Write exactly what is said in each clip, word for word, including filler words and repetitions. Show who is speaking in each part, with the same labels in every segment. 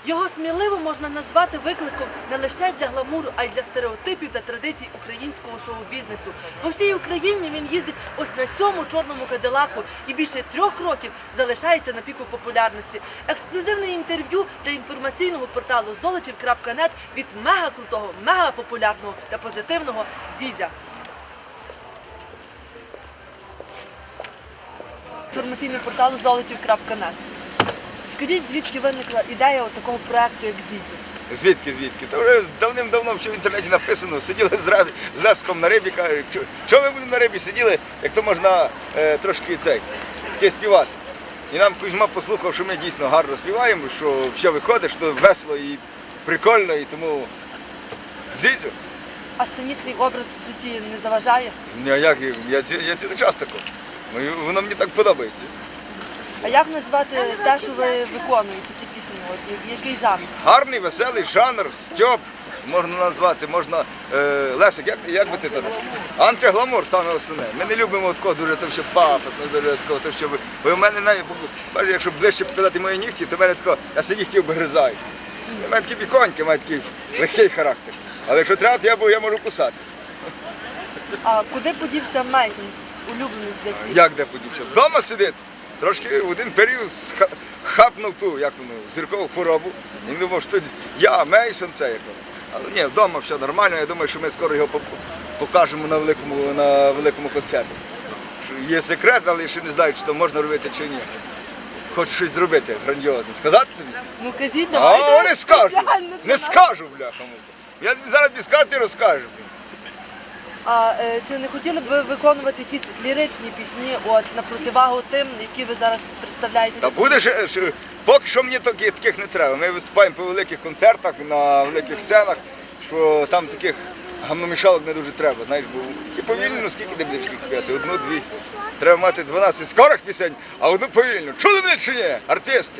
Speaker 1: Його сміливо можна назвати викликом не лише для гламуру, а й для стереотипів та традицій українського шоу-бізнесу. По всій Україні він їздить ось на цьому чорному кадилаку і більше трьох років залишається на піку популярності. Ексклюзивне інтерв'ю для інформаційного порталу золочів крапка нет від мега-крутого, мега-популярного та позитивного Дзідзя. Інформаційний портал золочів крапка нет. Скажіть, звідки виникла ідея такого проєкту, як Дзідзя?
Speaker 2: Звідки, звідки? Та вже давним-давно в інтернеті написано, сиділи з, з Леском на рибі, кажуть, що ми будемо на рибі сиділи, як то можна е, трошки цей, йти співати. І нам Кузьма послухав, що ми дійсно гарно співаємо, що все виходить, що весело і прикольно, і тому Дзідзю.
Speaker 1: А сценічний образ в житті не заважає?
Speaker 2: Ні, як, я, я цілий час тако. Воно мені так подобається.
Speaker 1: А як назвати те, що ви виконуєте, ті пісні? От, який жанр?
Speaker 2: Гарний, веселий жанр, стьоп, можна назвати, можна... Е, Лесик, як, як би ти то? Антигламур, саме основне. Ми не любимо такого дуже то, що пафосно, дуже такого, то, що ви... Бо в мене, навіть, якщо ближче показати мої нігті, то в мене тако, я собі нігтів обгризаю. У мене такі біконьки, у мене такий легкий характер. Але якщо треба, то я, бо, я можу кусати.
Speaker 1: А куди подівся Мейсон, улюблений для всіх?
Speaker 2: Як де подівся? Вдома сидить. Трошки в один період хапнув ту, як воно, зіркову хворобу. Він думав, що я, Мейсон, це як воно. Але ні, вдома все нормально, я думаю, що ми скоро його покажемо на великому, на великому концерті. Є секрет, але я ще не знаю, чи то можна робити, чи ні. Хочу щось зробити грандіозне. Сказати тобі?
Speaker 1: Ну кажіть, давайте.
Speaker 2: А, не скажу, не
Speaker 1: нас.
Speaker 2: скажу, бляха. Я зараз тобі скажу, ти розкажеш.
Speaker 1: А е, чи не хотіли б ви виконувати якісь ліричні пісні, от, на противагу тим, які ви зараз представляєте?
Speaker 2: Та буде ж, ж- поки що мені таких, таких не треба. Ми виступаємо по великих концертах, на великих сценах, що там таких гамномішалок не дуже треба. Знаєш, бо ті повільно, ну, скільки ти будеш їх співати? Одну, дві. Треба мати дванадцять скорих пісень, а одну повільну. Чули мене чи ні? Артисти.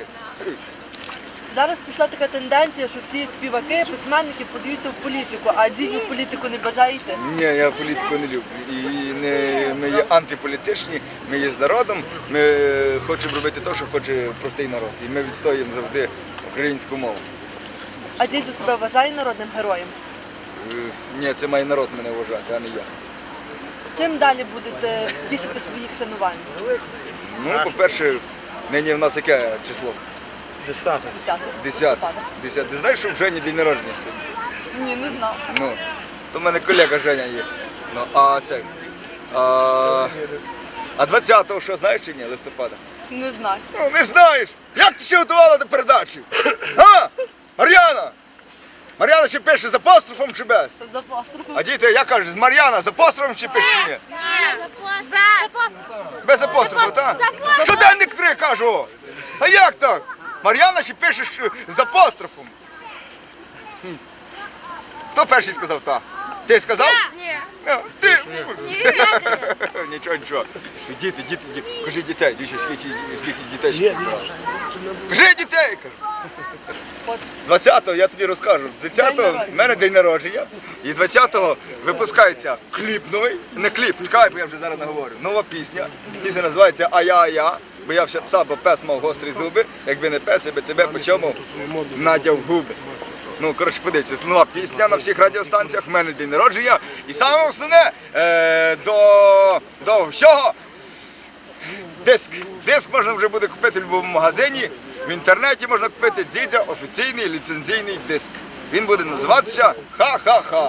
Speaker 1: Зараз пішла така тенденція, що всі співаки, письменники подаються в політику, а Дзідзю в політику не бажаєте?
Speaker 2: Ні, я політику не люблю. І не, ми є антиполітичні, ми є з народом, ми хочемо робити те, що хоче простий народ. І ми відстоюємо завжди українську мову.
Speaker 1: А Дзідзю себе вважає народним героєм?
Speaker 2: Е, Ні, це має народ мене вважати, а не я.
Speaker 1: Чим далі будете тішити своїх шанувань?
Speaker 2: Ну, по-перше, нині в нас яке число?
Speaker 3: Десяток.
Speaker 1: Десяте.
Speaker 2: Десяте.
Speaker 1: листопада.
Speaker 2: Десяте. Ти знаєш, що в Жені день народження сьогодні?
Speaker 1: Ні, не знав.
Speaker 2: Ну, то в мене колега Женя є. Ну, а це. А, а двадцятого що, знаєш чи ні, листопада?
Speaker 1: Не знаю.
Speaker 2: Ну, не знаєш! Як ти ще готувала до передачі? А? Мар'яна! Мар'яна ще пише з апострофом чи без?
Speaker 1: За апострофом.
Speaker 2: А діти, я кажу, з Мар'яна з апострофом чи пише чи ні? Без апострофу, так? Щоденник три, кажу! А як так? Мар'яна ще пише що з апострофом. Хм. Хто перший сказав так? Ти сказав?
Speaker 4: Ні.
Speaker 2: А, ти?
Speaker 4: Ні.
Speaker 2: Нічого, нічого. Ти діти, діти, діти. Кажи дітей, дивіться, скільки, скільки дітей ще побрали. Кажи дітей, кажу.
Speaker 1: От.
Speaker 2: двадцятого я тобі розкажу. двадцятого в мене день народження. І двадцятого випускається кліп новий. Не кліп, чекай, бо я вже зараз наговорю. Нова пісня. Пісня називається «А я, а я». Бо я все пса, бо пес мав гострі зуби. Якби не пес, я би тебе по чому надяв губи. Ну, коротше, подивіться, нова пісня на всіх радіостанціях, в мене день народження. І саме основне, е, до, до всього, диск. Диск можна вже буде купити в будь-якому магазині. В інтернеті можна купити Дзідзя офіційний ліцензійний диск. Він буде називатися «Ха-ха-ха».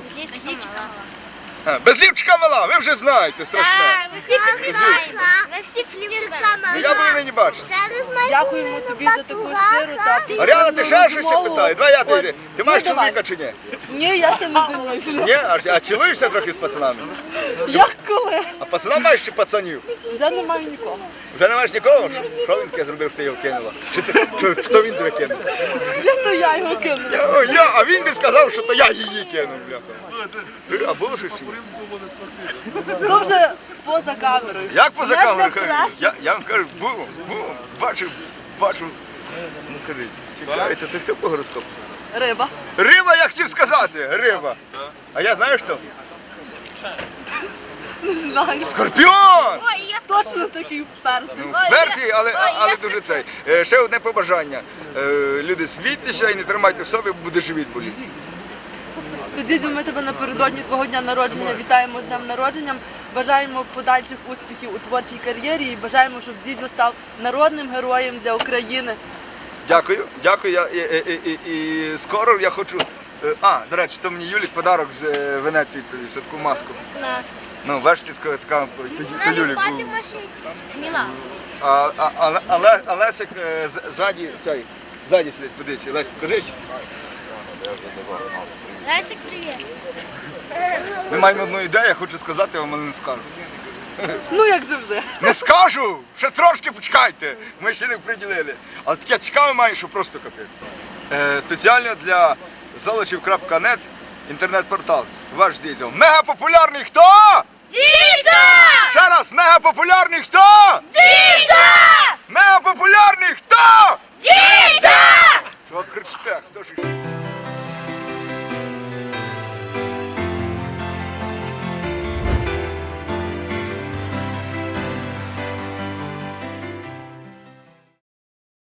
Speaker 2: А, без лівчика мала, ви вже знаєте, страшне.
Speaker 4: Ми всі знаємо. Ми всі
Speaker 2: Ну, я би не бачив.
Speaker 1: Дякуємо тобі за таку щиру та позитивну
Speaker 2: Мар'яна, ти ще щось
Speaker 1: розмову.
Speaker 2: питає? Давай я
Speaker 1: От.
Speaker 2: тобі. Ти маєш
Speaker 1: Ну, давай.
Speaker 2: чоловіка чи ні?
Speaker 1: Ні, я ще не заміжна.
Speaker 2: Ні? А, а цілуєшся трохи з пацанами?
Speaker 1: Як коли?
Speaker 2: А пацана маєш чи пацанів?
Speaker 1: Вже немає нікого.
Speaker 2: Вже не маєш нікого? Що він таке зробив, що ти його кинула? Чи, ти, чи, чи то він тебе кинув?
Speaker 1: Я то я його кинула.
Speaker 2: Я, о, я, а він би сказав, що то я її кинув, бляха. Ти, А було щось? чи ні?
Speaker 1: То вже поза камерою.
Speaker 2: Як поза
Speaker 1: Не
Speaker 2: камерою?
Speaker 1: для
Speaker 2: кажу?
Speaker 1: преси.
Speaker 2: Я, я вам скажу, було, було, бачу, бачу. Ну кажи, чекайте, ти хто по гороскопу?
Speaker 1: Риба.
Speaker 2: Риба, я хотів сказати, риба. А я знаю хто?
Speaker 1: Не знаю.
Speaker 2: Скорпіон!
Speaker 4: Ой, я
Speaker 1: Точно такий впертий.
Speaker 2: Вертій, але, але дуже цей. Е, Ще одне побажання. Е, люди, смійтеся і не тримайте в собі, бо буде живіт боліти.
Speaker 1: То, дідю, ми тебе напередодні твого дня народження вітаємо з днем народженням, бажаємо подальших успіхів у творчій кар'єрі і бажаємо, щоб дідю став народним героєм для України.
Speaker 2: Дякую, дякую. Я, і, і, і, і скоро я хочу. е, А, до речі, то мені Юлік подарок з е, Венеції привіз, таку маску.
Speaker 4: Клас.
Speaker 2: Ну, бачите, така, така то, то Юлік був.
Speaker 4: Наліпати машин. Сміла.
Speaker 2: А, а, а, але, а Лесик е, з- ззаді, цей, ззаді сидить, подивіться. Лесь, покажись.
Speaker 4: Лесик, привіт.
Speaker 2: Ми маємо одну ідею, я хочу сказати вам, але не скажу.
Speaker 1: Ну, як завжди.
Speaker 2: Не скажу! Ще трошки почекайте! Ми ще не приділили. Але таке цікаве має, що просто капець. Е, спеціально для золочів крапка нет інтернет-портал. Ваш дідьо. Мегапопулярний хто?
Speaker 4: Дідя!
Speaker 2: Ще раз, мегапопулярний хто?
Speaker 4: Дідя!
Speaker 2: Мегапопулярний хто?
Speaker 4: Дідя!
Speaker 2: Що кричите? Хто ж?